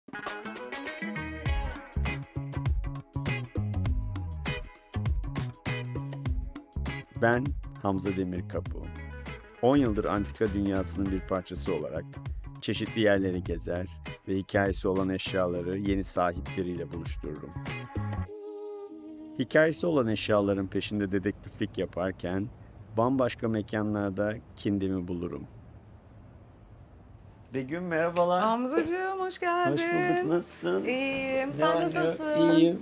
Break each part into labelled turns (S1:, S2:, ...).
S1: Ben Hamza Demirkapı. 10 yıldır antika dünyasının bir parçası olarak çeşitli yerleri gezer ve hikayesi olan eşyaları yeni sahipleriyle buluştururum. Hikayesi olan eşyaların peşinde dedektiflik yaparken bambaşka mekanlarda kendimi bulurum. Begüm merhabalar.
S2: Hamzacığım hoş geldin.
S1: Hoş bulduk. Nasılsın?
S2: İyiyim.
S1: Ne
S2: Sen
S1: var ne yok?
S2: nasılsın?
S1: İyiyim.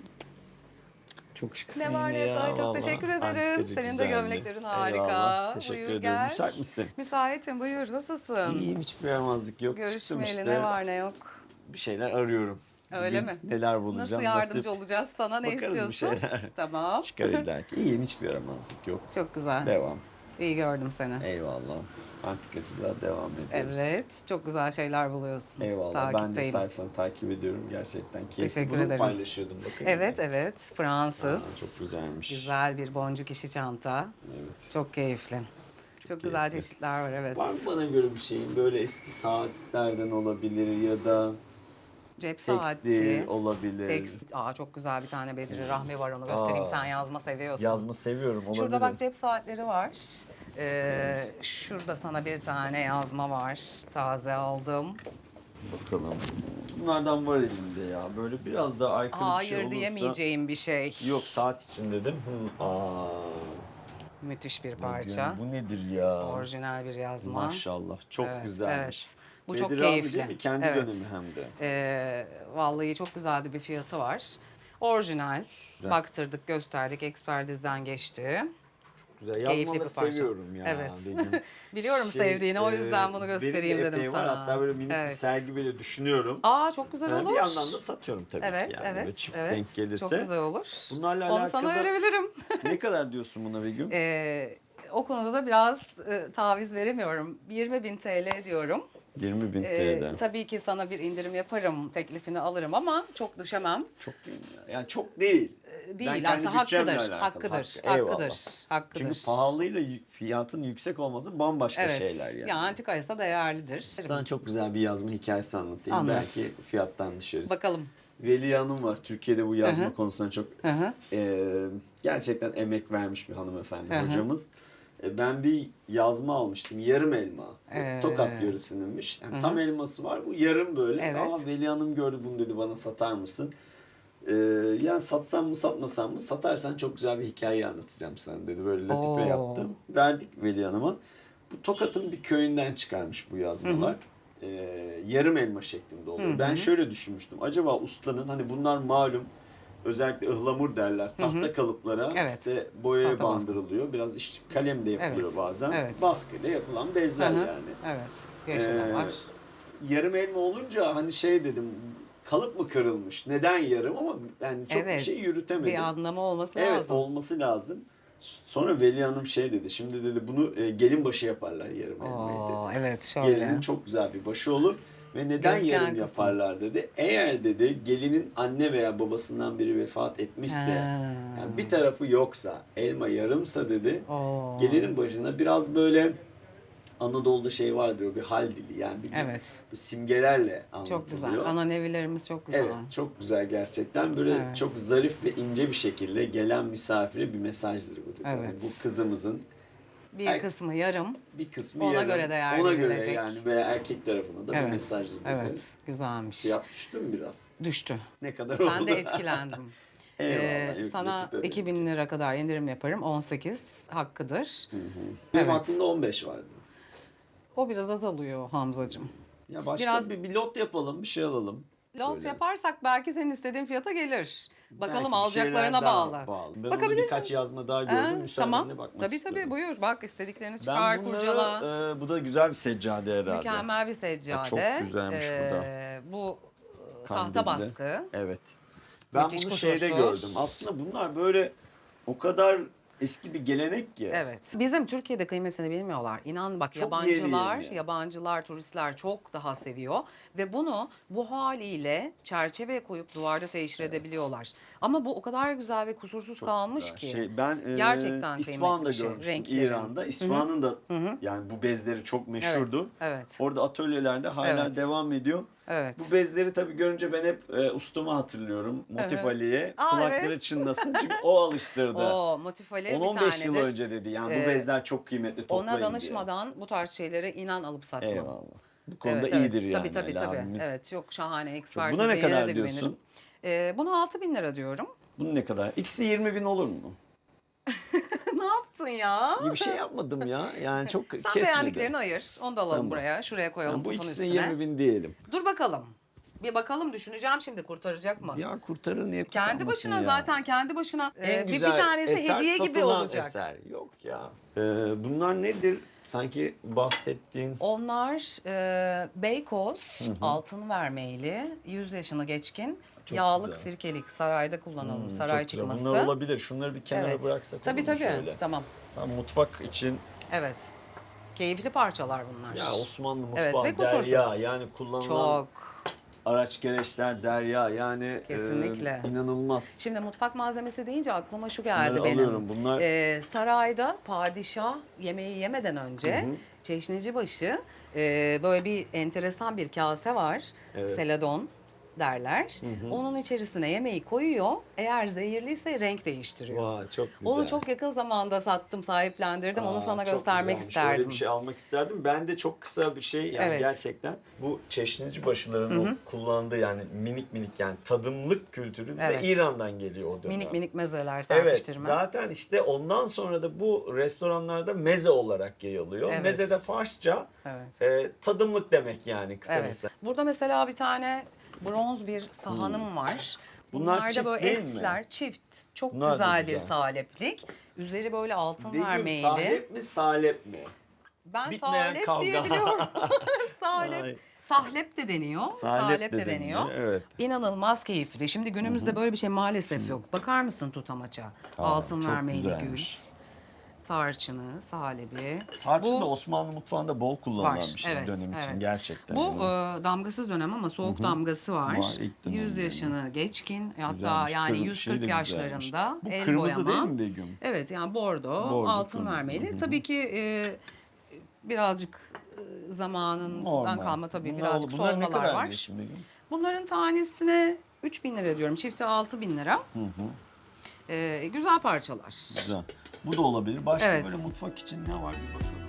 S1: Çok şıksın
S2: Ne var
S1: yine
S2: ne yok?
S1: ya.
S2: Ay, çok
S1: vallahi.
S2: teşekkür ederim.
S1: Antikacı
S2: Senin de
S1: güzeldi.
S2: gömleklerin harika.
S1: Eyvallah. Teşekkür
S2: Buyur,
S1: ederim.
S2: gel.
S1: Müsait misin?
S2: Müsaitim, buyur. Nasılsın?
S1: İyiyim, hiçbir yaramazlık yok. Çıktım
S2: Görüşmeyeli
S1: işte.
S2: ne var ne yok.
S1: Bir şeyler arıyorum.
S2: Öyle
S1: Bugün
S2: mi?
S1: neler bulacağım?
S2: Nasıl yardımcı olacağız sana? Ne
S1: Bakarız bir
S2: istiyorsun?
S1: şeyler.
S2: Tamam.
S1: Çıkar illaki. İyiyim, hiçbir yaramazlık yok.
S2: Çok güzel.
S1: Devam.
S2: İyi gördüm seni.
S1: Eyvallah. Antikacılığa devam ediyoruz.
S2: Evet. Çok güzel şeyler buluyorsun.
S1: Eyvallah. Ben de
S2: Takipteyim.
S1: sayfanı takip ediyorum. Gerçekten keyifli.
S2: Teşekkür
S1: Bunu
S2: ederim.
S1: paylaşıyordum bakın.
S2: Evet evet. Fransız.
S1: Çok güzelmiş.
S2: Güzel bir boncuk işi çanta.
S1: Evet.
S2: Çok keyifli. Çok güzel
S1: keyifli.
S2: çeşitler var, evet.
S1: Var mı bana göre bir şeyin? Böyle eski saatlerden olabilir ya da
S2: Cep
S1: tekstil
S2: saati.
S1: olabilir.
S2: Tekstil. Aa, çok güzel bir tane Bedri Rahmi var, onu göstereyim.
S1: Aa.
S2: Sen yazma seviyorsun.
S1: Yazma seviyorum. Olabilir.
S2: Şurada bak cep saatleri var. Şurada sana bir tane yazma var. Taze aldım.
S1: Bakalım. Bunlardan var elimde ya. Böyle biraz daha aykırı bir şey
S2: Hayır
S1: olursa.
S2: diyemeyeceğim bir şey.
S1: Yok, saat için dedim. Aa.
S2: Müthiş bir
S1: ne
S2: parça.
S1: diyorsun? Bu nedir ya?
S2: Orijinal bir yazma.
S1: Maşallah. Çok
S2: Evet,
S1: güzelmiş.
S2: evet. Bu çok
S1: Bedir abi
S2: keyifli.
S1: değil mi? Kendi
S2: Evet.
S1: dönemi hem de.
S2: Vallahi çok güzeldi, bir fiyatı var. Orijinal.
S1: Güzel.
S2: Baktırdık, gösterdik, ekspertizden geçti.
S1: Güzel.
S2: Keyifli
S1: Yazmaları
S2: bir parça.
S1: seviyorum ya.
S2: Evet.
S1: Benim.
S2: Biliyorum sevdiğini, o yüzden bunu göstereyim
S1: benim de
S2: dedim
S1: epey
S2: sana.
S1: var. Hatta böyle minik bir
S2: Evet.
S1: sergi bile düşünüyorum.
S2: Aa, çok güzel olur.
S1: Bir yandan da satıyorum tabii
S2: Evet,
S1: ki yani. Böyle
S2: evet,
S1: çift
S2: evet.
S1: denk gelirse.
S2: Çok güzel olur.
S1: Bunlarla
S2: Onu
S1: alakalı
S2: sana verebilirim.
S1: ne kadar diyorsun buna Begüm?
S2: O konuda da biraz taviz veremiyorum. 20.000 TL diyorum.
S1: 20.000 TL'den.
S2: Tabii ki sana bir indirim yaparım, teklifini alırım ama çok düşemem.
S1: Çok değil mi ya? Yani çok değil.
S2: Değil,
S1: Ben kendi
S2: aslında
S1: bütçemle
S2: hakkıdır,
S1: alakalı.
S2: hakkıdır,
S1: Eyvallah.
S2: hakkıdır.
S1: Çünkü pahalıyla fiyatın yüksek olması bambaşka
S2: Evet,
S1: şeyler yani.
S2: yani antikaysa değerlidir.
S1: Sana çok güzel bir yazma hikayesi anlatayım.
S2: Anlat.
S1: Belki fiyattan düşeriz.
S2: Bakalım.
S1: Veli Hanım var. Türkiye'de bu yazma
S2: Hı hı.
S1: konusunda çok
S2: Hı hı.
S1: gerçekten emek vermiş bir hanımefendi
S2: Hı hı.
S1: hocamız. Ben bir yazma almıştım. Yarım elma. Bu Tokat yöresindenmiş. Yani tam elması var. Bu yarım böyle.
S2: Evet.
S1: Ama Veli Hanım gördü bunu, dedi bana satar mısın? Yani satsam mı satmasam mı? Satarsan çok güzel bir hikaye anlatacağım sana dedi. Böyle latife
S2: Oo.
S1: yaptım. Verdik Veli Hanım'a. Bu Tokat'ın bir köyünden çıkarmış bu yazmalar. Yarım elma şeklinde oluyor.
S2: Hı hı.
S1: Ben şöyle düşünmüştüm. Acaba ustanın, hani bunlar malum özellikle ıhlamur derler. Tahta kalıplara
S2: Evet.
S1: işte boyaya
S2: Tahta baskı.
S1: bandırılıyor. Biraz kalem de yapılıyor
S2: Evet.
S1: bazen.
S2: Evet.
S1: Baskıyla yapılan bezler
S2: Hı hı.
S1: yani.
S2: Evet, yeşiller var.
S1: Yarım elma olunca hani şey dedim, kalıp mı kırılmış? Neden yarım? Ama yani çok bir
S2: Evet,
S1: şey yürütemedim.
S2: bir anlamı olması
S1: Evet,
S2: lazım.
S1: olması lazım. Sonra Veli Hanım şey dedi. Şimdi dedi bunu gelin başı yaparlar yarım elmayı
S2: Oo,
S1: dedi.
S2: evet, şöyle.
S1: Gelinin çok güzel bir başı olur. Ve neden
S2: Gözken
S1: yarım
S2: kısmı.
S1: yaparlar dedi. Eğer dedi gelinin anne veya babasından biri vefat etmişse,
S2: Ha.
S1: yani bir tarafı yoksa, elma yarımsa dedi,
S2: Oo.
S1: gelinin başına biraz böyle Anadolu'da şey vardır, o bir hal dili yani bir,
S2: Evet.
S1: bir simgelerle anlatılıyor.
S2: Çok güzel. Ananevilerimiz çok güzel.
S1: Evet, çok güzel gerçekten. Böyle
S2: Evet.
S1: çok zarif ve ince bir şekilde gelen misafire bir mesajdır bu dedi. Yani
S2: Evet.
S1: bu kızımızın
S2: Bir kısmı yarım.
S1: bir kısmı
S2: Ona
S1: yarım,
S2: göre değer
S1: ona göre
S2: verilecek.
S1: yani veya erkek tarafına da bir
S2: Evet.
S1: mesajdır dedi.
S2: Evet. Güzelmiş.
S1: Fiyat düştü mü biraz?
S2: Düştü.
S1: Ne kadar oldu?
S2: Ben de etkilendim.
S1: Eyvallah. yok,
S2: Sana
S1: latife benim
S2: 2000
S1: için.
S2: lira kadar indirim yaparım. 18 hakkıdır.
S1: Benim
S2: Evet.
S1: aklımda 15 vardı.
S2: O biraz azalıyor Hamzacığım.
S1: Ya başka
S2: Biraz-
S1: bir lot yapalım, bir şey alalım.
S2: Lot
S1: Böyle.
S2: yaparsak belki senin istediğin fiyata gelir. Bakalım,
S1: Belki bir
S2: alacaklarına
S1: şeyler daha
S2: bağlı.
S1: Ben onu
S2: Bakabilirsin.
S1: birkaç yazma daha
S2: Ha,
S1: gördüm. Müsaadenle
S2: tamam.
S1: bakmak
S2: Tabii
S1: istiyorum.
S2: buyur. Bak, istediklerini
S1: Ben
S2: çıkar,
S1: bunları,
S2: kurcala.
S1: bu da güzel bir seccade herhalde.
S2: Mükemmel bir seccade.
S1: çok güzelmiş bu da.
S2: Bu
S1: Kandilli.
S2: tahta baskı.
S1: Evet. Ben
S2: Müthiş
S1: bunu şeyde
S2: kusursuz.
S1: gördüm. Aslında bunlar böyle o kadar eski bir gelenek ki.
S2: Evet. Bizim Türkiye'de kıymetini bilmiyorlar. İnan bak,
S1: Çok
S2: yabancılar,
S1: yeniyim yani.
S2: yabancılar, turistler çok daha seviyor ve bunu bu haliyle çerçeveye koyup duvarda teşhir edebiliyorlar. Ama bu o kadar güzel ve kusursuz kalmış ki.
S1: Ben
S2: Gerçekten
S1: İsfahan'da
S2: kıymetli bir şey.
S1: görmüştüm,
S2: Renkleri.
S1: İran'da. İsfahan'ın da yani bu bezleri çok meşhurdu.
S2: Evet.
S1: Orada atölyelerde hala
S2: Evet.
S1: devam ediyor.
S2: Evet.
S1: Bu bezleri tabii görünce ben hep ustamı hatırlıyorum. Motif Ali'ye.
S2: Aa,
S1: Kulakları
S2: evet.
S1: çınlasın çünkü o alıştırdı.
S2: O Motif Ali bir
S1: 10-15 yıl
S2: tanedir.
S1: önce dedi yani bu
S2: Ee,
S1: bezler çok kıymetli, toplayın
S2: Ona
S1: diye.
S2: danışmadan bu tarz şeylere inan alıp satmam.
S1: Eyvallah. Bu konuda
S2: Evet,
S1: iyidir
S2: evet.
S1: yani
S2: Tabii,
S1: Ali
S2: tabii.
S1: abimiz.
S2: Evet, çok şahane
S1: Buna
S2: ekspertizliğine
S1: ne kadar
S2: de güvenirim.
S1: diyorsun?
S2: Buna 6.000 lira diyorum.
S1: Bunun ne kadar? İkisi 20.000 olur mu?
S2: Ne yaptın ya?
S1: İyi bir şey yapmadım ya. Yani çok
S2: Sen
S1: kesmedi.
S2: beğendiklerini ayır. Onu da alalım
S1: Tamam.
S2: buraya. Şuraya koyalım
S1: Yani bu
S2: kutunun
S1: ikisine
S2: üstüne.
S1: 20.000 diyelim.
S2: Dur bakalım. Bir bakalım, düşüneceğim şimdi, kurtaracak mı?
S1: Ya kurtarır niye
S2: Kendi
S1: kurtarmasın
S2: başına
S1: ya?
S2: zaten kendi başına
S1: En
S2: bir
S1: güzel
S2: tanesi
S1: eser
S2: hediye gibi
S1: satılan
S2: olacak.
S1: eser. Yok ya. Bunlar nedir? Sanki bahsettiğin.
S2: Onlar Beykoz altın vermeyli, 100 yaşını geçkin,
S1: Çok
S2: yağlık
S1: güzel.
S2: sirkelik, sarayda kullanılmış, saray
S1: Çok güzel.
S2: çıkması.
S1: Bunlar olabilir. Şunları bir kenara
S2: Evet.
S1: bıraksak
S2: Tabii
S1: olur mu
S2: tabii.
S1: şöyle?
S2: Tamam.
S1: Tam mutfak için
S2: Evet. Keyifli parçalar bunlar.
S1: ya Osmanlı
S2: Evet,
S1: mutfağı
S2: ve kusursuz.
S1: derya yani kullanılan
S2: Çok.
S1: araç gereçler derya yani
S2: Kesinlikle.
S1: inanılmaz.
S2: Şimdi mutfak malzemesi deyince aklıma şu geldi
S1: Şunları
S2: benim.
S1: alıyorum. Bunlar
S2: Sarayda padişah yemeği yemeden önce çeşnicibaşı böyle bir enteresan bir kase var.
S1: Evet.
S2: Seladon derler. Onun içerisine yemeği koyuyor. Eğer zehirliyse renk değiştiriyor.
S1: vay çok güzel.
S2: Onu çok yakın zamanda sattım, sahiplendirdim. Onu sana
S1: çok
S2: göstermek
S1: güzelmiş.
S2: isterdim.
S1: Öyle bir şey almak isterdim. Ben de çok kısa bir şey yani
S2: Evet.
S1: gerçekten bu çeşnici başıların o kullandığı yani minik minik yani tadımlık kültürü bize
S2: Evet.
S1: İran'dan geliyor o dönem.
S2: Minik minik mezeler
S1: Evet,
S2: serpiştirme.
S1: zaten işte ondan sonra da bu restoranlarda meze olarak yayılıyor.
S2: Evet.
S1: Meze de Farsça
S2: Evet.
S1: tadımlık demek yani kısacası.
S2: Evet. Burada mesela bir tane bronz bir sahanım var.
S1: Bunlar
S2: Bunlar
S1: çift
S2: da böyle
S1: değil mi?
S2: etler, çift. Çok
S1: Bunlar da
S2: güzel bir
S1: güzel.
S2: saleplik. Üzeri böyle altın
S1: Begüm
S2: vermeyli.
S1: salep mi salep mi?
S2: Ben
S1: Bitmeyen
S2: salep
S1: kavga.
S2: diyebiliyorum.
S1: Ay.
S2: Salep. Sahlep de deniyor. Salep de deniyor.
S1: Evet.
S2: İnanılmaz keyifli. Şimdi günümüzde böyle bir şey maalesef yok. Bakar mısın tutamaça? Altın
S1: çok
S2: vermeyli gül.
S1: güzelmiş.
S2: Tarçını, salebi.
S1: Tarçın
S2: Bu-
S1: da Osmanlı mutfağında bol kullanılan
S2: Var,
S1: bir şey
S2: evet,
S1: dönem için
S2: evet.
S1: gerçekten.
S2: Bu
S1: yani.
S2: damgasız dönem ama soğuk damgası var.
S1: Var, ilk dönem
S2: 100
S1: yani.
S2: yaşını geçkin, hatta
S1: Güzelmiş.
S2: yani
S1: Şey de
S2: 140
S1: güzelmiş.
S2: yaşlarında
S1: Bu
S2: el
S1: kırmızı
S2: boyama.
S1: değil mi Begüm?
S2: Evet, yani bordo,
S1: Bordo,
S2: altın
S1: kırmızı.
S2: vermeli. Tabii ki birazcık zamanından
S1: Normal.
S2: kalma tabii
S1: Bunlar,
S2: birazcık
S1: bunlar ne
S2: solmalar
S1: kadar
S2: var.
S1: diyorsun Begüm?
S2: Bunların tanesine 3.000 lira diyorum. Çifti 6.000 lira. Güzel parçalar.
S1: Güzel. Bu da olabilir. Başka
S2: Evet.
S1: böyle mutfak için ne var bir bakalım.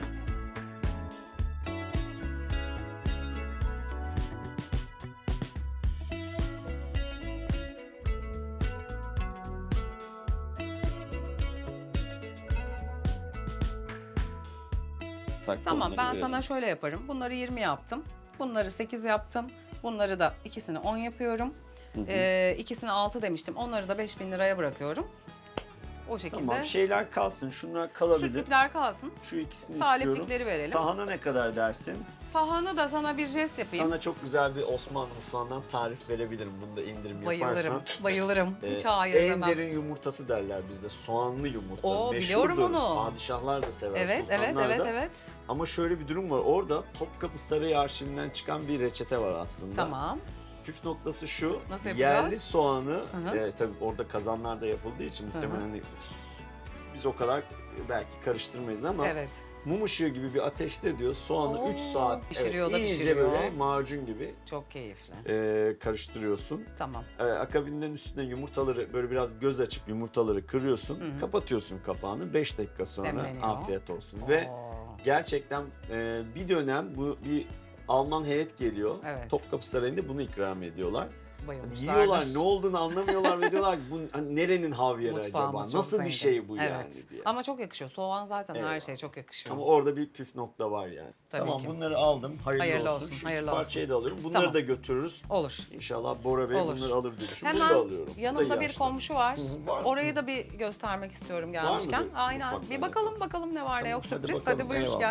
S2: Tamam, ben
S1: Onları
S2: sana şöyle yaparım. Bunları 20 yaptım. Bunları 8 yaptım. Bunları da ikisini 10 yapıyorum. İkisini 6 demiştim. Onları da 5.000 liraya bırakıyorum. O şekilde
S1: Tamam şeyler kalsın. Şunlar kalabilir.
S2: sütlükler kalsın.
S1: Şu ikisini
S2: Saleplikleri
S1: istiyorum.
S2: verelim.
S1: Sahana ne kadar dersin?
S2: Sahanı da sana bir jest yapayım.
S1: Sana çok güzel bir Osmanlı mutfağından tarif verebilirim. Bunda indirim
S2: Bayılırım,
S1: yaparsan.
S2: bayılırım. Hiç hayır
S1: en
S2: demem.
S1: derin yumurtası derler bizde. Soğanlı yumurta.
S2: Oo,
S1: Meşhurdur.
S2: biliyorum onu.
S1: Padişahlar da sever.
S2: Evet, evet,
S1: sultanlar
S2: evet,
S1: da.
S2: evet.
S1: Ama şöyle bir durum var. Orada Topkapı Sarayı arşivinden çıkan bir reçete var aslında.
S2: Tamam.
S1: Püf noktası şu.
S2: Nasıl yapacağız?
S1: Yerli soğanı,
S2: hı.
S1: tabii orada kazanlarda yapıldığı için muhtemelen hani biz o kadar belki karıştırmayız ama
S2: Evet.
S1: mum ışığı gibi bir ateşte diyor soğanı
S2: Oo,
S1: 3 saat
S2: pişiriyor da
S1: iyice
S2: pişiriyor.
S1: böyle macun gibi
S2: Çok keyifli.
S1: karıştırıyorsun.
S2: Tamam.
S1: Akabinden üstüne yumurtaları böyle biraz göz açıp yumurtaları kırıyorsun. Kapatıyorsun kapağını. 5 dakika sonra
S2: Demleniyor.
S1: afiyet olsun. Ve
S2: Oo.
S1: gerçekten bir dönem bir Alman heyet geliyor.
S2: Evet.
S1: Topkapı Sarayı'nda bunu ikram ediyorlar.
S2: Bayılmışlardır.
S1: Yiyorlar ne olduğunu anlamıyorlar ve diyorlar ki bu hani nerenin havyarı acaba?
S2: Mutfağımız çok
S1: Nasıl bir
S2: zengin.
S1: şey bu
S2: Evet.
S1: yani diye.
S2: Ama çok yakışıyor. Soğan zaten her
S1: Eyvallah.
S2: şeye çok yakışıyor.
S1: Ama orada bir püf nokta var yani.
S2: Tabii
S1: tamam
S2: ki.
S1: bunları aldım. Hayırlı,
S2: Olsun,
S1: Şu
S2: hayırlı
S1: iki
S2: olsun.
S1: parçayı da alıyorum. Bunları
S2: Tamam.
S1: da götürürüz.
S2: Olur.
S1: İnşallah Bora Bey
S2: Olur.
S1: bunları alır diye düşünüyorum. Bunu
S2: Hemen
S1: da alıyorum. Bu da
S2: yanımda bir
S1: yaşlı.
S2: komşu var.
S1: Var.
S2: Orayı da bir göstermek istiyorum gelmişken.
S1: mıdır?
S2: Aynen.
S1: Mutfakta
S2: Bir bakalım ne var ne
S1: Tamam,
S2: yok
S1: hadi
S2: sürpriz.
S1: bakalım,
S2: Hadi buyur
S1: eyvallah.
S2: gel.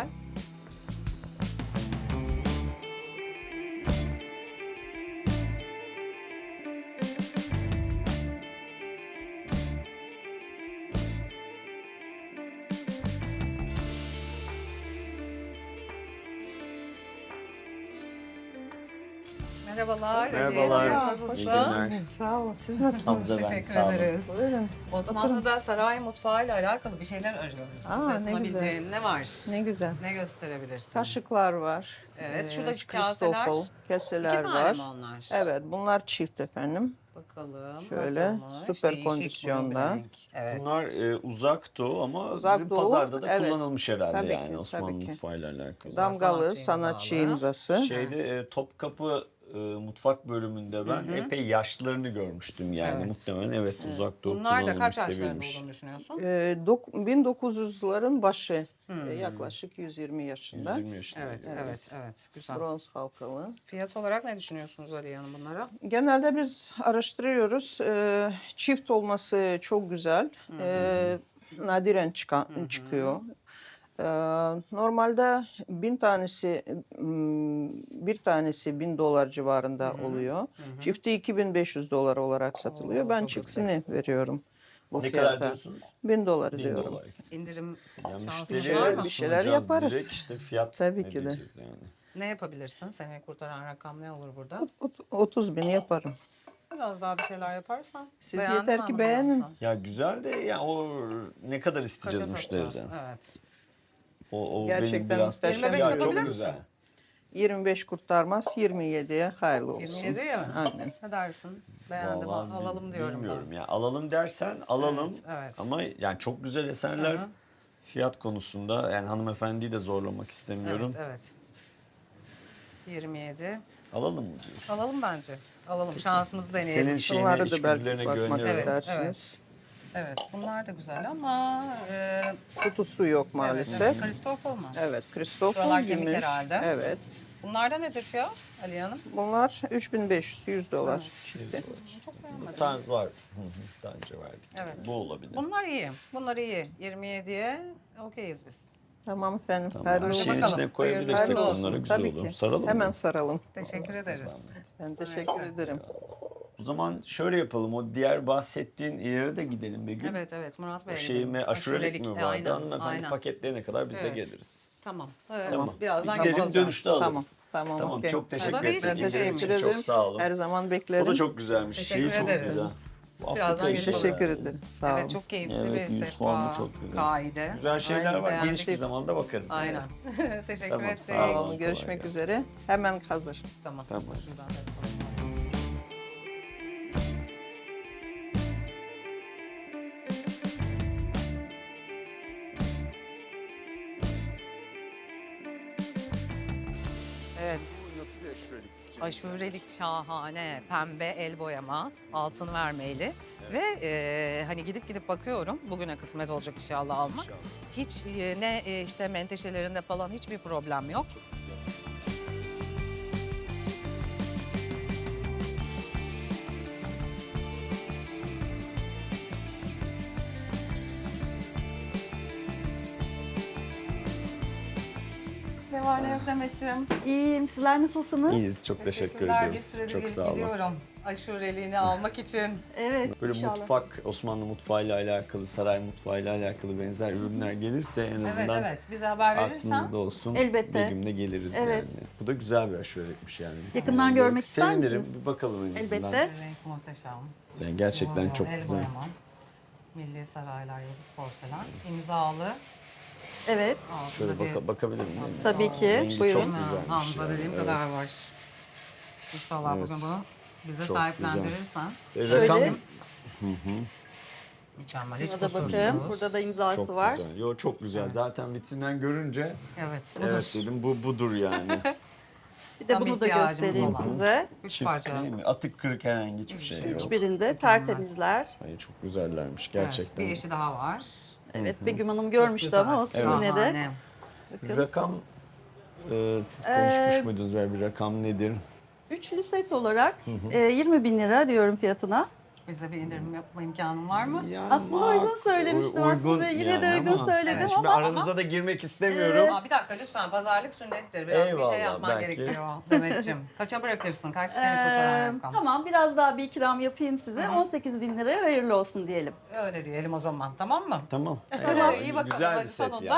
S2: Merhabalar.
S1: Merhabalar.
S2: Aliye,
S1: İyi
S2: nasılsın?
S1: günler.
S3: Sağ olun. Siz nasılsınız?
S1: Hamza ben,
S2: Teşekkür
S1: sağ olun.
S2: ederiz.
S3: Buyurun.
S2: Osmanlı'da saray mutfağıyla alakalı bir şeyler arıyoruz.
S3: Aa,
S2: Bizde
S3: ne
S2: sunabileceğin ne var?
S3: Ne güzel.
S2: Ne gösterebilirsin?
S3: Kaşıklar var.
S2: Evet,
S3: Ee,
S2: şuradaki
S3: Christoffel
S2: kaseler.
S3: keseler
S2: İki tane
S3: var.
S2: mi onlar?
S3: Evet, bunlar çift efendim.
S2: Bakalım
S3: Şöyle,
S2: nasılmış?
S3: süper
S2: Değişik
S3: kondisyonda.
S2: bunun bir renk. Evet.
S1: Bunlar uzak doğu ama
S3: Uzak
S1: bizim
S3: Doğu,
S1: pazarda da
S3: evet.
S1: kullanılmış herhalde
S3: Tabii
S1: yani
S3: ki,
S1: Osmanlı
S3: tabii ki.
S1: mutfağıyla alakalı.
S3: Damgalı
S2: sanatçı
S3: sanatçı
S2: imzalı.
S3: imzası.
S1: Şeyde Topkapı mutfak bölümünde ben epey yaşlarını görmüştüm yani
S2: Evet.
S1: muhtemelen evet uzak doğu
S2: Bunlar da
S1: kullanılmış,
S2: kaç yaşlarında
S1: sevilmiş.
S2: olduğunu düşünüyorsun?
S3: 1900'ların başı. Yaklaşık 120 yaşında.
S1: 120 yaşında.
S2: Evet, evet, evet. Güzel.
S3: Bronz halkalı.
S2: Fiyat olarak ne düşünüyorsunuz Aliye Hanım bunlara?
S3: Genelde biz araştırıyoruz. Çift olması çok güzel. Nadiren çıkıyor. Normalde 1000 tanesi, bir tanesi 1000 dolar civarında oluyor. Çifti 2500 dolar olarak satılıyor.
S2: Oo,
S3: Ben
S2: çok
S3: çiftini veriyorum bu
S1: Ne
S3: fiyata.
S1: kadar diyorsunuz?
S3: 1000 dolar
S1: 1000
S3: diyorum.
S1: dolar.
S2: İndirim
S1: Yani
S2: şansınız
S1: müşteriye
S2: var mı?
S3: Bir şeyler
S1: sunacağız
S3: yaparız.
S1: direkt işte fiyat
S3: Tabii
S1: ne
S3: ki de.
S1: diyeceğiz yani.
S2: Ne yapabilirsin? Seni kurtaran rakam ne olur burada?
S3: 30 bin yaparım.
S2: Biraz daha bir şeyler yaparsan.
S3: Siz
S2: beğendin
S3: yeter
S2: mi
S3: ki
S2: anlamadım
S3: beğenin.
S2: sen?
S1: Ya güzel de ya o ne kadar
S2: Kaça
S1: isteyeceğiz
S2: satacağız?
S1: müşteriden?
S2: Evet.
S1: O
S3: Gerçekten
S1: benim biraz
S3: muhteşem.
S2: 25
S1: ya
S2: yapabilir
S1: çok
S2: misin?
S1: güzel.
S3: 25 kurtarmaz, 27'ye hayırlı olsun.
S2: 27'ye mi?
S3: Aynen.
S2: Ne dersin? Beğendim,
S1: Vallahi
S2: alalım diyorum
S1: bilmiyorum
S2: ben.
S1: ya. Alalım dersen alalım.
S2: Evet, evet.
S1: Ama yani çok güzel eserler
S2: Hı hı.
S1: fiyat konusunda yani hanımefendiyi de zorlamak istemiyorum.
S2: Evet, evet. 27.
S1: Alalım mı diyor.
S2: Alalım bence. Alalım. Şansımızı deneyelim.
S1: Senin şeyine,
S3: Bunları da belki
S1: içgüdülerine
S3: bakmak
S1: güveniyorum.
S2: Evet,
S3: istersiniz.
S2: Evet, bunlar da güzel ama
S3: Kutusu yok maalesef.
S2: evet, Christoffel mı?
S3: Evet, Christoffel
S2: Şuralar kemik
S3: gümüş.
S2: herhalde.
S3: Evet.
S2: Bunlarda nedir fiyat Aliye Hanım?
S3: Bunlar 3500, 100 dolar
S2: Evet.
S3: çifti.
S2: Çok
S1: Bu
S2: beğenmedim.
S1: tarz var. Hı hı, daha önce verdik.
S2: Evet.
S1: Bu olabilir.
S2: Bunlar iyi. Bunlar iyi. 27'ye okeyiz biz.
S3: Tamam efendim.
S1: Tamam.
S3: Hayırlı
S1: Her
S3: olsun.
S1: şeyin
S2: Bakalım.
S1: içine koyabilirsek
S2: Hayırlı olsun.
S1: onları güzel
S3: Tabii
S1: olur.
S3: ki.
S1: Saralım
S3: Hemen
S1: mı?
S3: saralım.
S2: Teşekkür ederiz.
S3: Ben teşekkür ederim.
S1: O zaman şöyle yapalım. O diğer bahsettiğin yere de gidelim Begüm.
S2: Evet, evet. Murat Bey'e
S1: O şeyi
S2: gidelim.
S1: mi aşurelik mi vardı?
S2: Aynen,
S1: Hanımefendi
S2: aynen.
S1: paketleyene kadar biz de
S2: Evet.
S1: geliriz.
S2: Tamam.
S1: Tamam.
S2: Birazdan
S1: Gidelim,
S2: geleceğiz.
S1: dönüşte alırız.
S3: Tamam. Tamam.
S1: Tamam
S3: okey.
S1: çok teşekkür
S2: O da
S1: ederim.
S2: değişik bir
S3: Ben
S2: şeymiş.
S3: teşekkür ederim.
S1: Çok sağ olun.
S3: Her zaman beklerim.
S1: O da çok güzelmiş.
S2: Teşekkür
S1: Şeyi çok
S2: ederiz.
S1: güzel. Bu
S2: Birazdan
S1: Afrika işi
S2: gelip
S3: Teşekkür
S1: bayağı-
S3: ederim. Sağ olun.
S2: Evet, çok keyifli
S1: Evet,
S2: bir
S1: yüz
S2: sehpa,
S1: formu çok güzel.
S2: kaide.
S1: Güzel şeyler
S2: Aynen,
S1: var.
S2: beğendik.
S1: Geniş bir zamanda bakarız.
S2: Aynen. Teşekkür
S1: Tamam,
S2: ettik.
S1: sağ olun.
S3: Olun. Görüşmek
S1: Kolay
S3: üzere. Hemen hazır.
S2: Tamam.
S1: Tamam.
S2: Şuradan da yapalım. Evet.
S1: Nasıl bir aşurelik?
S2: Aşurelik şahane, pembe el boyama, altın vermeyli ve hani gidip bakıyorum bugüne kısmet olacak inşallah almak. Hiç işte menteşelerinde falan hiçbir problem yok. Ne var ne yok Demetciğim?
S4: İyiyim. Sizler nasılsınız?
S1: İyiyiz. Çok teşekkür
S2: Teşekkürler.
S1: ediyoruz.
S2: Bir süredir
S1: çok
S2: gelip
S1: sağ olun.
S2: gidiyorum. Aşureliğini almak için.
S4: Evet.
S1: Böyle
S4: inşallah.
S1: mutfak, Osmanlı mutfağıyla alakalı, saray mutfağıyla alakalı benzer ürünler gelirse en
S2: Evet
S1: azından
S2: evet. Bize haber verirsen.
S1: aklınızda olsun.
S4: Elbette.
S1: Bir gün de geliriz
S4: Evet.
S1: yani. Bu da güzel bir aşurelikmiş yani.
S4: Yakından görmek ister
S1: Sevinirim.
S4: misiniz?
S1: Bir bakalım en azından.
S4: Elbette.
S2: Renk muhteşem.
S1: Yani gerçekten
S2: Boyalı,
S1: çok
S2: el
S1: güzel.
S2: boyama. Milli Saraylar Yıldız Porselen. İmzalı.
S4: Evet.
S2: Altında
S1: Şöyle
S2: bir
S1: bakabilir miyim?
S2: Hamza
S4: Tabii ki.
S1: Rengi
S4: Buyurun.
S1: çok güzelmiş.
S2: Hamza
S1: yani,
S2: dediğim
S1: evet.
S2: kadar var. İnşallah
S1: Evet.
S2: bugün bunu bize
S1: Çok
S2: sahiplendirirsen.
S4: Şöyle.
S1: Rakam
S2: Mükemmel. Hiç
S4: Buna da
S2: kusursuz.
S4: bakın. Burada da imzası
S1: çok
S4: var.
S1: güzel. Yo çok güzel.
S2: Evet.
S1: Zaten vitrinden görünce
S2: Evet. Budur.
S1: evet dedim bu budur yani.
S4: Bir de
S2: Tam
S4: bunu da
S2: ihtiyacımız
S4: göstereyim
S2: olan.
S4: size.
S2: Üç
S1: Çift
S2: parça.
S1: değil mi? Atık kırık herhangi hiçbir şey yok.
S4: Hiçbirinde tertemizler.
S1: Ay, çok güzellermiş
S2: Evet,
S1: gerçekten.
S2: bir eşi daha var.
S4: Evet. Begüm Hanım görmüştü
S2: güzel.
S4: ama olsun yine de.
S2: Şahane.
S4: Bakın.
S1: Rakam siz konuşmuş
S4: Ee,
S1: muydunuz? Ver bir rakam nedir?
S4: Üçlü set olarak 20 bin lira diyorum fiyatına.
S2: Bize bir indirim yapma imkanın var mı?
S1: Yani
S4: Aslında uygun söylemiştim aslında. Yine de uygun söyledim
S1: Evet, şimdi
S4: ama-
S1: aranıza da girmek istemiyorum.
S2: Aa, bir dakika lütfen pazarlık sünnettir. Biraz bir
S1: Eyvallah,
S2: şey yapman
S1: belki.
S2: gerekiyor Demetciğim. Kaça bırakırsın? Kaç seni kurtaran rakam?
S4: Tamam biraz daha bir ikram yapayım size. 18 bin liraya hayırlı olsun diyelim.
S2: Öyle diyelim o zaman, tamam mı?
S1: Tamam.
S2: Tamam, iyi bakalım,
S1: Güzel
S2: hadi
S1: bir set
S2: sonunda.
S1: yani.
S4: Tamam.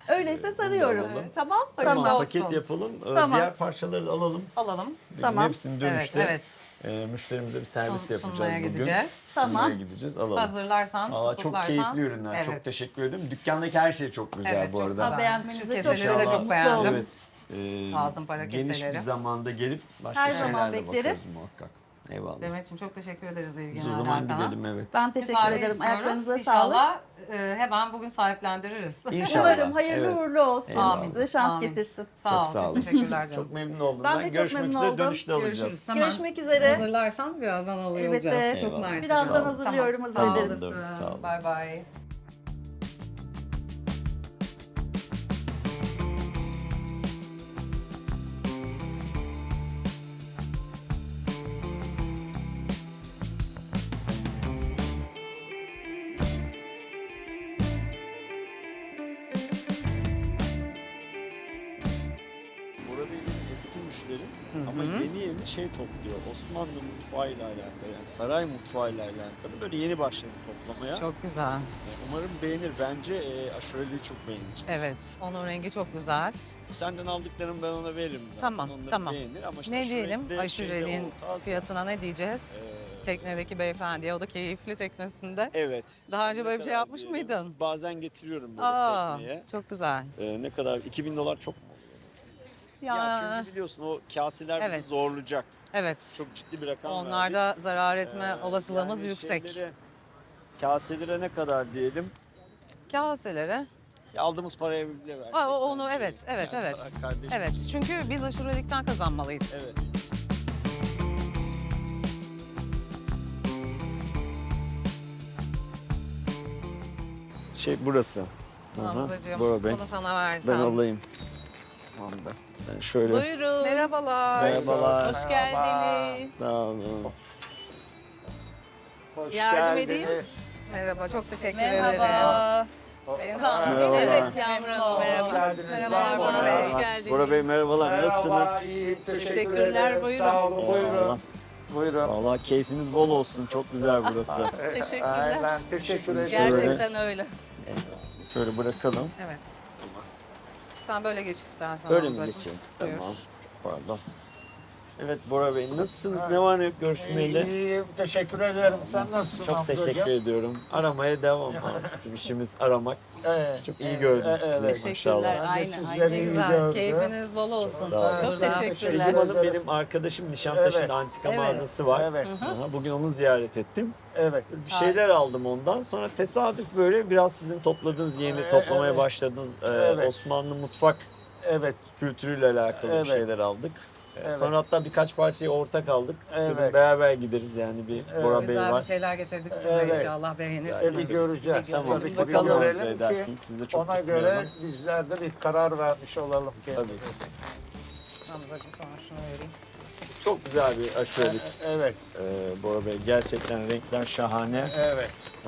S4: Öyleyse sarıyorum.
S1: Alalım.
S2: Tamam.
S4: Tamam.
S2: Hayırlı
S1: Paket
S2: olsun.
S1: yapalım.
S4: Tamam.
S1: Diğer parçaları da alalım.
S2: Alalım.
S4: Tamam.
S1: Hepsini
S2: Evet,
S1: dönüşte
S2: evet.
S1: müşterimize bir servis yapacağız
S2: Sunmaya
S1: bugün.
S2: gideceğiz.
S4: Tamam.
S1: Sunmaya gideceğiz. Alalım.
S2: Hazırlarsan,
S1: Aa, çok
S2: tutuklarsan.
S1: keyifli ürünler. Çok
S2: Evet.
S1: teşekkür ederim. Dükkandaki her şey çok güzel
S2: Evet,
S1: bu
S2: çok
S1: arada.
S2: güzel.
S4: Beğenmenize
S2: Şu
S4: çok
S2: keseleri de
S1: İnşallah.
S2: çok beğendim.
S1: Evet.
S2: Altın para
S1: Geniş
S2: keseleri.
S1: bir zamanda gelip başka
S4: Her zaman
S1: şeylerle
S4: beklerim.
S1: bakarız muhakkak. Eyvallah.
S2: Demet'ciğim çok teşekkür ederiz
S1: Biz
S2: ilgine.
S1: o zaman gidelim evet.
S4: Ben teşekkür
S2: Müsaade
S4: ederim.
S2: istiyoruz.
S4: Ayaklarınıza sağlık.
S2: İnşallah hemen bugün sahiplendiririz.
S1: İnşallah.
S4: Umarım hayırlı
S1: Evet.
S4: uğurlu olsun.
S1: Eyvallah.
S4: Size şans
S2: Amin.
S4: getirsin.
S2: Sağ ol.
S1: Çok sağ olun.
S2: Teşekkürler canım.
S1: Çok memnun oldum.
S4: Ben de çok
S1: Görüşmek
S4: memnun
S1: üzere.
S4: oldum.
S1: Dönüşte alacağız.
S2: Görüşürüz. Hemen
S4: Görüşmek üzere.
S2: Hazırlarsan birazdan alıyor
S4: Elbette.
S2: olacağız. Çok
S1: Eyvallah.
S2: mersi.
S4: Birazdan
S2: canım.
S4: hazırlıyorum,
S2: Tamam.
S4: hazır
S2: Sağ
S1: ederim.
S2: olasın.
S1: Sağ olun.
S2: Bay bay.
S1: Bora Bey benim eski müşterim ama yeni şey topluyor. Osmanlı mutfağıyla alakalı yani saray mutfağıyla alakalı böyle yeni başladı toplamaya.
S2: Çok güzel.
S1: Umarım beğenir. Bence aşureliği çok beğenecek.
S2: Evet. Onun rengi çok güzel.
S1: Senden aldıklarımı ben ona veririm zaten.
S2: Tamam,
S1: Onları
S2: tamam.
S1: beğenir ama işte
S2: Ne diyelim?
S1: aşureli'de
S2: Aşureli'nin
S1: şeyde o taze-
S2: fiyatına ne diyeceğiz? Teknedeki beyefendiye. O da keyifli teknesinde.
S1: Evet.
S2: Daha önce
S1: Ne
S2: böyle bir şey
S1: kadar
S2: yapmış
S1: diyelim?
S2: mıydın?
S1: Bazen getiriyorum böyle
S2: Aa,
S1: tekneye.
S2: çok güzel.
S1: Ne kadar? $2000 çok mu? Ya çünkü biliyorsun o kaseler
S2: Evet.
S1: bizi zorlayacak.
S2: Evet.
S1: Çok ciddi bir rakam
S2: Onlarda zarar etme
S1: verdik.
S2: olasılığımız
S1: Yani
S2: yüksek.
S1: Kaselere ne kadar diyelim?
S2: Kaselere.
S1: Ya aldığımız paraya bile versek.
S2: Onu
S1: bence.
S2: evet.
S1: Yani
S2: Evet.
S1: sana kardeşim.
S2: Evet. Çünkü biz aşurelikten kazanmalıyız.
S1: Evet. burası.
S2: Hamzacığım
S1: Bora Bey.
S2: bunu sana versem.
S1: Ben alayım. Tamam da. Sen şöyle.
S4: Buyurun.
S2: Merhabalar.
S1: Merhabalar.
S4: Hoş geldiniz.
S1: Sağ olun.
S4: Yardım edeyim.
S2: Merhaba. Çok teşekkür ederim.
S4: Merhaba.
S2: Deniz Hanım.
S1: Merhaba.
S4: Evet Yağmur Hanım.
S2: Merhabalar Bora Bey.
S4: Hoş geldiniz.
S1: Bora Bey merhabalar. Nasılsınız?
S5: İyiyim,
S4: Teşekkürler,
S5: ederim.
S4: buyurun.
S5: Sağ olun, buyurun.
S1: Eyvallah.
S5: Buyurun.
S1: Valla keyfiniz bol olsun. Çok güzel burası.
S4: Teşekkürler.
S5: Aynen, teşekkür ederim.
S4: Gerçekten öyle.
S1: Şöyle bırakalım.
S2: Evet. Sen böyle geç istersen.
S1: Öyle mi
S2: Hamzacığım.
S1: geçeyim?
S2: Buyur.
S1: Tamam. Pardon. Evet Bora Bey nasılsınız? Ne var ne yok görüşmeyeli?
S5: İyiyim, teşekkür ederim. Sen nasılsın
S1: Çok
S5: Hamzacığım?
S1: teşekkür ediyorum. Aramaya devam. Bizim işimiz aramak.
S5: Evet.
S1: Çok iyi gördüm sizi
S5: evet.
S1: maşallah.
S5: Ben de
S4: Aynen,
S5: sizleri
S4: aynen.
S2: Ne
S5: iyi
S2: güzel.
S5: gördüm.
S2: Keyfiniz bol olsun.
S1: Sağ olun.
S4: Çok
S2: Güzel.
S4: teşekkürler.
S1: Begüm Hanım benim arkadaşım. Nişantaşı'nda
S5: Evet.
S1: antika
S4: Evet.
S1: mağazası var.
S5: Evet,
S1: Aha, bugün onu ziyaret ettim.
S5: evet.
S1: Bir şeyler aldım ondan. Sonra tesadüf böyle biraz sizin topladığınız, yeni toplamaya
S5: Evet.
S1: başladığınız
S5: Evet.
S1: Osmanlı mutfak
S5: Evet,
S1: kültürüyle alakalı
S5: Evet.
S1: bir şeyler aldık.
S5: Evet.
S1: Sonra hatta birkaç parçayı ortak aldık.
S5: Evet.
S1: Dedim beraber gideriz yani bir
S5: Evet.
S1: Bora Bey
S2: Güzel bir
S1: var.
S2: şeyler getirdik size
S5: Evet.
S2: inşallah
S5: bir
S2: beğenirsiniz.
S5: göreceğiz.
S1: Tamam.
S5: Tabii ki
S1: Bakalım
S5: bir
S1: arzu
S5: görelim ki
S1: edersiniz. Siz de çok
S5: ona
S1: mutlu
S5: göre
S1: olun.
S5: bizler de bir karar vermiş olalım kendimize.
S2: Hamzacığım sana şunu vereyim.
S1: Çok güzel bir aşurelik.
S5: Evet,
S1: Bora Bey gerçekten renkler şahane.
S5: evet.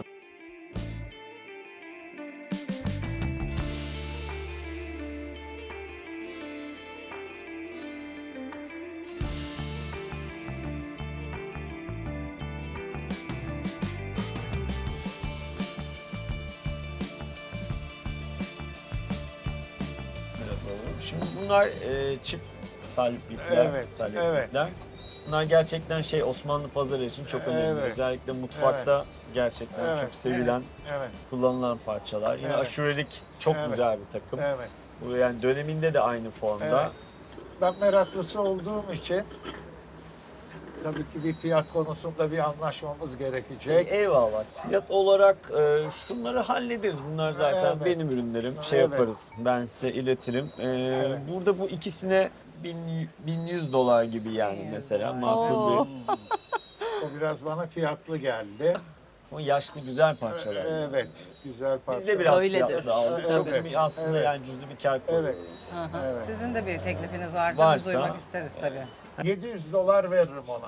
S1: Şimdi bunlar çift saliplikler.
S5: Evet,
S1: saliplikler. Bunlar gerçekten Osmanlı pazarı için çok önemli.
S5: Evet.
S1: Özellikle mutfakta gerçekten
S5: Evet.
S1: çok sevilen,
S5: Evet,
S1: kullanılan parçalar. Yine
S5: Evet.
S1: aşurelik çok
S5: Evet.
S1: güzel bir takım.
S5: evet.
S1: Bu yani döneminde de aynı formda.
S5: Evet. Ben meraklısı olduğum için tabii ki bir fiyat konusunda bir anlaşmamız gerekecek.
S1: Eyvallah. Fiyat olarak şunları hallederiz. Bunlar zaten
S5: Evet.
S1: benim ürünlerim.
S5: Evet.
S1: Yaparız. Ben size iletirim.
S5: Evet.
S1: Burada bu ikisine $1100 gibi yani mesela makul
S4: Oo.
S1: bir.
S5: O biraz bana fiyatlı geldi.
S1: O yaşlı güzel parçalar.
S5: Evet, güzel parça.
S1: Biz de biraz
S4: Öyledir.
S1: fiyatlı aldık. Çok
S5: Evet.
S1: bir aslında
S5: Evet.
S1: yani cüzi bir kar koyuyoruz.
S5: Evet, evet.
S2: Sizin de bir teklifiniz varsa, biz
S1: Varsa-
S2: duymak isteriz tabii.
S5: $700 veririm ona.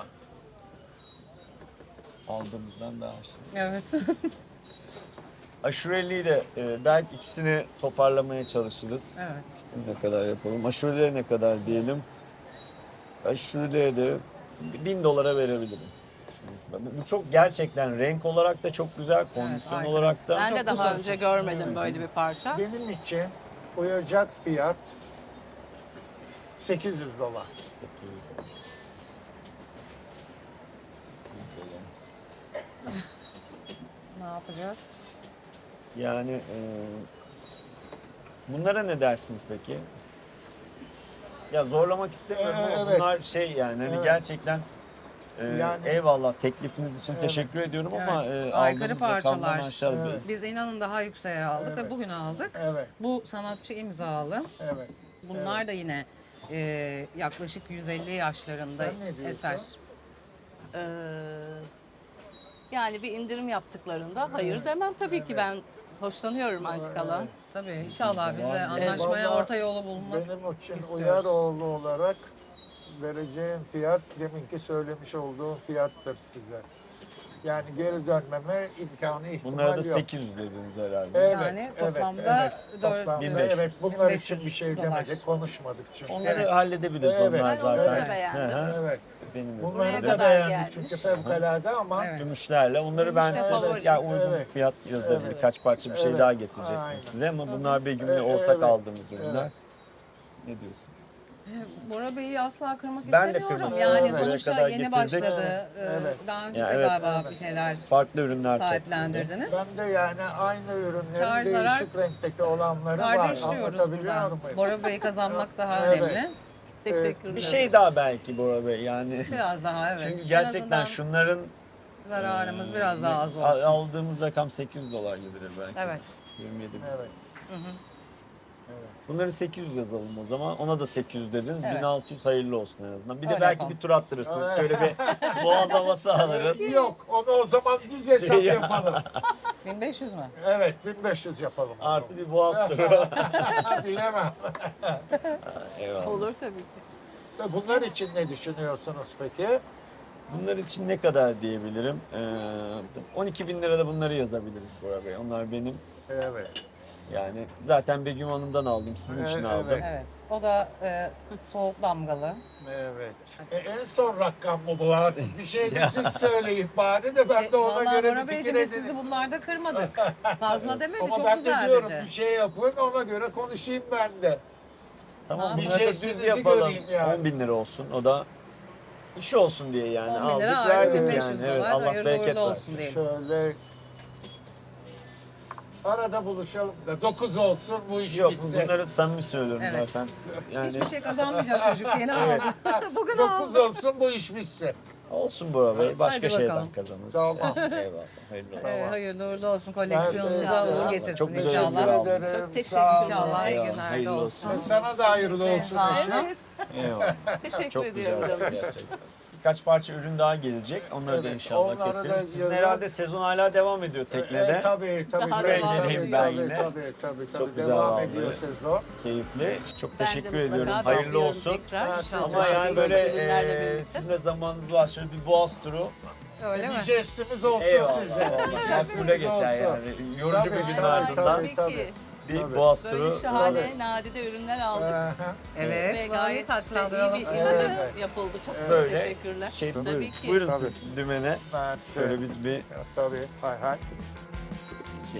S1: Aldığımızdan daha aşağı.
S2: Evet.
S1: Aşureliği de belki ikisini toparlamaya çalışırız.
S2: Evet.
S1: Ne kadar yapalım? Aşureliğe ne kadar diyelim? Aşureliğe de $1000 verebilirim. Bu çok gerçekten renk olarak da çok güzel, kondisyon
S2: aynen.
S1: olarak da.
S4: Ben de
S2: Çok
S4: daha
S2: güzel.
S4: önce görmedim böyle bir parça.
S5: Benim için uyacak fiyat 800 dolar.
S2: Ne yapacağız?
S1: Yani bunlara ne dersiniz peki? Ya zorlamak istemiyorum ama
S5: Evet.
S1: bunlar şey yani hani
S5: Evet.
S1: gerçekten
S5: Yani-
S1: eyvallah teklifiniz için
S5: Evet.
S1: teşekkür ediyorum ama
S2: Evet, aykırı
S1: aldığımız rakamdan
S2: parçalar.
S1: aşağı
S5: Evet.
S2: Biz inanın daha yükseğe aldık
S5: Evet.
S2: ve bugün aldık.
S5: Evet,
S2: Bu sanatçı imzalı.
S5: evet.
S2: Bunlar da yine yaklaşık 150 yaşlarında
S5: Sen ne diyorsun?
S2: eser.
S4: Ee, yani bir indirim yaptıklarında hayır demem tabii ki, ben hoşlanıyorum antikadan.
S5: Evet.
S2: Tabii inşallah biz de
S1: Vallahi-
S2: anlaşmaya
S5: Vallahi
S2: orta yolu bulmak
S5: Benim için
S2: istiyoruz.
S5: Uyaroğlu olarak vereceğim fiyat deminki söylemiş olduğum fiyattır size. Yani geri dönmeme imkanı ihtimal
S1: bunlara da
S5: yok.
S1: 800 dediniz herhalde.
S5: Evet,
S2: Yani
S5: evet,
S2: toplamda
S5: evet.
S2: dört-
S5: Toplamda
S1: 1500.
S5: evet. Bunlar için
S2: 1500
S5: bir şey
S2: dolar.
S5: demedik, konuşmadık çünkü.
S1: Onları
S2: Evet.
S1: halledebiliriz
S5: Evet.
S1: onlar
S5: Ben
S1: zaten.
S4: onları da beğendim.
S1: Hı hı.
S5: Evet.
S1: Benim de.
S5: Bunları
S4: Buraya
S5: da
S4: kadar
S5: beğendik
S4: gelmiş.
S5: çünkü fevkalade ama
S2: Evet.
S1: Gümüşlerle. Onları ben
S4: Gümüşle
S1: size
S4: favori.
S1: ya uygun
S5: Evet.
S1: bir fiyat yazarım.
S5: Evet.
S1: Birkaç parça bir şey
S5: Evet.
S1: daha getirecektim
S5: Aynen.
S1: size ama bunlar Begüm'le
S5: Evet.
S1: ortak aldığımız ürünler.
S5: Evet.
S1: Ne diyorsun?
S2: Bora Bey'i asla kırmak
S1: Ben de
S2: istemiyorum.
S1: kırmak
S2: Yani
S5: istemiyorum.
S2: sonuçta
S1: Buraya kadar
S2: yeni
S1: getirdik.
S2: başladı.
S5: Evet.
S2: Daha önce
S1: Ya
S2: de
S1: evet.
S2: galiba
S5: Evet.
S2: bir şeyler
S1: Farklı ürünler
S2: sahiplendirdiniz.
S5: ben de yani aynı
S2: Kar
S5: ürünlerin
S2: zarar,
S5: değişik renkteki olanları
S2: kardeş
S5: var.
S2: diyoruz
S5: Anlatabiliyor
S2: burada.
S5: muyum?
S2: Bora Bey'i kazanmak daha
S5: Evet.
S2: önemli.
S4: Teşekkürler.
S1: Bir şey daha belki Bora Bey yani.
S2: Biraz daha evet.
S1: Çünkü
S2: En
S1: gerçekten
S2: azından
S1: şunların
S2: zararımız biraz daha az olsun.
S1: aldığımız rakam 800 dolar gibidir belki.
S2: Evet.
S1: 27 bin.
S5: Evet.
S2: Hı hı.
S5: Evet.
S1: Bunları 800 yazalım o zaman. Ona da 800 dediniz.
S2: Evet.
S1: 1600 hayırlı olsun en azından. Bir de
S2: Öyle
S1: belki
S2: yapalım.
S1: bir tur attırırsınız. Şöyle bir boğaz havası alırız.
S5: Yok, onu o zaman düz hesap
S1: Ya.
S5: yapalım.
S2: 1500 mü?
S5: Evet, 1500 yapalım.
S1: Artı bir boğaz turu.
S5: Bilemem.
S1: Eyvallah.
S4: Olur tabii ki.
S5: Bunlar için ne düşünüyorsunuz peki?
S1: Bunlar için ne kadar diyebilirim? 12 bin lirada bunları yazabiliriz Bora Bey. Onlar benim.
S5: Evet.
S1: Yani zaten Begüm Hanım'dan aldım. Sizin için
S5: Evet,
S1: aldım.
S5: evet.
S2: Evet. O da soğuk damgalı.
S5: Evet. En son rakam mı bu artık? Bir şey de siz söyleyin bari de ben de ona
S2: Vallahi
S5: göre
S2: Bora
S5: bir
S2: Beyciğim
S5: fikir
S2: biz sizi
S5: edineyim.
S2: bunlarda kırmadık. Fazla demedi,
S5: Ama
S2: çok
S5: ben de
S2: güzel
S5: diyorum
S2: dedi.
S5: bir şey yapın ona göre konuşayım ben de.
S1: Tamam
S2: Bir
S1: bunları da düz
S5: jestinizi
S1: yapalım.
S5: göreyim yani.
S1: 10 bin lira olsun. O da iş olsun diye yani
S2: 10 bin lira
S1: aldık
S2: artı
S1: verdik
S2: 1500
S1: yani.
S2: dolar.
S1: Evet, Allah
S2: Hayırlı
S1: bereket
S2: uğurlu
S1: versin.
S2: olsun diyelim.
S5: Şöyle arada buluşalım da 9 olsun bu iş
S1: Yok
S5: bitsin.
S1: bunları samimi söylüyorum
S2: Evet.
S1: zaten. Yani
S2: Hiçbir şey kazanmayacak çocuk. Yeni
S1: Evet.
S2: aldı. Bugün
S5: 9
S2: aldı.
S5: olsun bu iş bitsin.
S1: olsun Bora Bey. Başka
S2: Hadi
S1: şeyden
S2: bakalım.
S1: kazanırız.
S5: Tamam.
S1: Eyvallah. Hayırlı olsun.
S2: Hayırlı uğurlu olsun. Koleksiyonunuza
S5: Ben-
S2: uğur
S5: Çok
S2: getirsin
S1: güzel
S2: inşallah.
S1: ürünler
S5: Teşekkür ederim.
S4: Çok teşekkür
S5: Sağ olun.
S2: İnşallah iyi
S1: Eyvallah,
S2: günlerde
S1: hayırlı
S2: olsun.
S1: olsun.
S5: Sana da hayırlı olsun.
S2: Sağ olun.
S5: inşallah.
S4: Evet.
S1: Eyvallah.
S4: Teşekkür
S1: Çok
S4: ediyorum
S1: güzel
S4: canım.
S1: gerçekten. Birkaç parça ürün daha gelecek. Onları da
S5: Evet,
S1: inşallah
S5: onları da
S1: getiririz. Sizin
S5: yarın-
S1: herhalde sezon hala devam ediyor teknede.
S5: Tabii tabii.
S4: Daha
S5: tabii,
S4: devam
S5: tabii,
S1: ediyor.
S5: tabii,
S1: Ben yine.
S5: Tabii.
S1: güzel
S5: Devam
S1: vallahi.
S5: ediyor sezon.
S1: Keyifli. Çok
S4: Ben de
S1: teşekkür
S4: mutlaka
S1: ediyorum. Hayırlı
S4: bekliyorum
S1: olsun.
S4: tekrar.
S5: Ben
S4: İnşallah
S1: Ama yani böyle
S4: değişik ürünlerle birlikte.
S1: sizin de zamanınız var. Şöyle bir boğaz turu.
S2: Öyle mi?
S5: Bir jestimiz olsun
S1: Eyvallah.
S5: size. Bir
S1: Makbule
S5: jestimiz
S1: geçer
S5: olsun.
S1: yani. Yorucu
S5: Tabii,
S1: bir günün
S5: tabii,
S1: ardından
S5: tabii.
S4: Tabii ki.
S1: bir
S5: Tabii.
S1: boğaz turu.
S4: Böyle şahane,
S5: Tabii.
S4: nadide ürünler aldık.
S5: Aha.
S2: Evet.
S4: Ve
S2: Bunu
S4: gayet
S2: bir taçlandıralım.
S4: iyi bir
S5: Evet.
S4: indirim yapıldı. Çok
S1: Böyle
S4: teşekkürler.
S1: Şey,
S4: Tabii
S1: buyurun,
S4: ki.
S1: buyurun
S5: Tabii.
S1: siz dümene.
S5: Ben
S1: Şöyle biz bir
S5: Tabii. Hay hay.
S1: şey.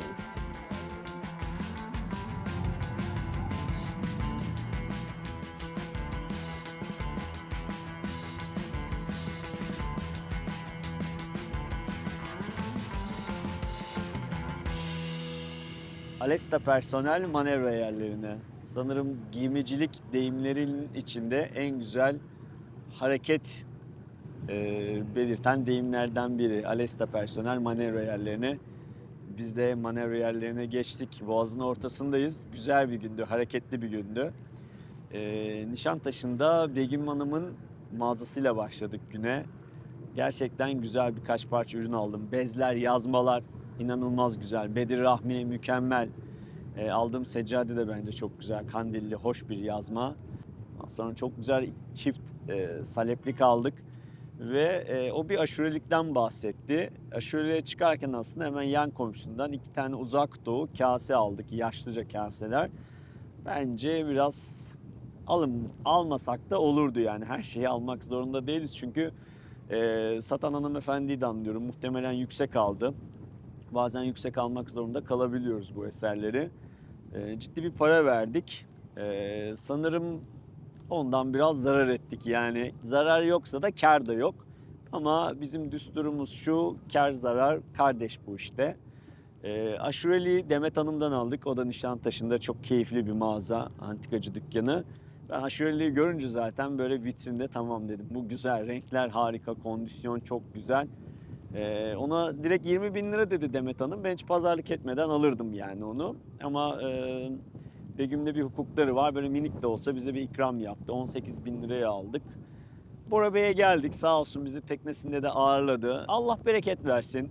S1: Alesta personel manevra yerlerine. Sanırım giymicilik deyimlerinin içinde en güzel hareket belirten deyimlerden biri. Alesta personel manevra yerlerine. Biz de manevra yerlerine geçtik. Boğazın ortasındayız. Güzel bir gündü, hareketli bir gündü. Nişantaşı'nda Begüm Hanım'ın mağazasıyla başladık güne. Gerçekten güzel birkaç parça ürün aldım. Bezler, yazmalar inanılmaz güzel. Bedir Rahmi mükemmel. Aldığım seccade de bence çok güzel. Kandilli, hoş bir yazma. Ondan sonra çok güzel çift saleplik aldık. Ve o bir aşurelikten bahsetti. Aşureliğe çıkarken aslında hemen yan komşusundan 2 tane uzak doğu kase aldık. Yaşlıca kaseler. Bence biraz almasak da olurdu yani. Her şeyi almak zorunda değiliz. Çünkü satan hanımefendiyi de anlıyorum. Muhtemelen yüksek aldı. Bazen yüksek almak zorunda kalabiliyoruz bu eserleri. Ciddi bir para verdik. Sanırım ondan biraz zarar ettik. Yani zarar yoksa da kar da yok. Ama bizim düsturumuz şu, kar zarar kardeş bu işte. Aşureli'yi Demet Hanım'dan aldık. O da Nişantaşı'nda çok keyifli bir mağaza, antikacı dükkanı. Ben Aşureli'yi görünce zaten böyle vitrinde tamam dedim. Bu güzel, renkler harika, kondisyon çok güzel. Ona direkt 20 bin lira dedi Demet Hanım. Ben hiç pazarlık etmeden alırdım yani onu. Ama Begüm'de bir hukukları var. Böyle minik de olsa bize bir ikram yaptı. 18 bin liraya aldık. Bora Bey'e geldik. Sağ olsun bizi teknesinde de ağırladı. Allah bereket versin.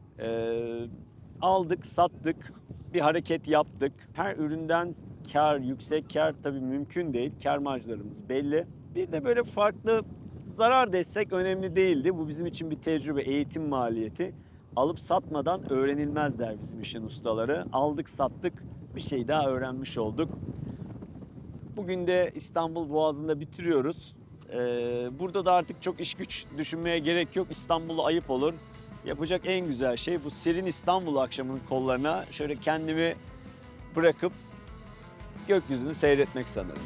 S1: Aldık, sattık. Bir hareket yaptık. Her üründen kar, yüksek kar tabii mümkün değil. Kar marjlarımız belli. Bir de böyle farklı zarar destek önemli değildi. Bu bizim için bir tecrübe, eğitim maliyeti. Alıp satmadan öğrenilmez der bizim işin ustaları. Aldık, sattık. Bir şey daha öğrenmiş olduk. Bugün de İstanbul Boğazı'nda bitiriyoruz. Burada da artık çok iş güç düşünmeye gerek yok. İstanbul'a ayıp olur. Yapacak en güzel şey bu serin İstanbul akşamının kollarına şöyle kendimi bırakıp gökyüzünü seyretmek sanırım.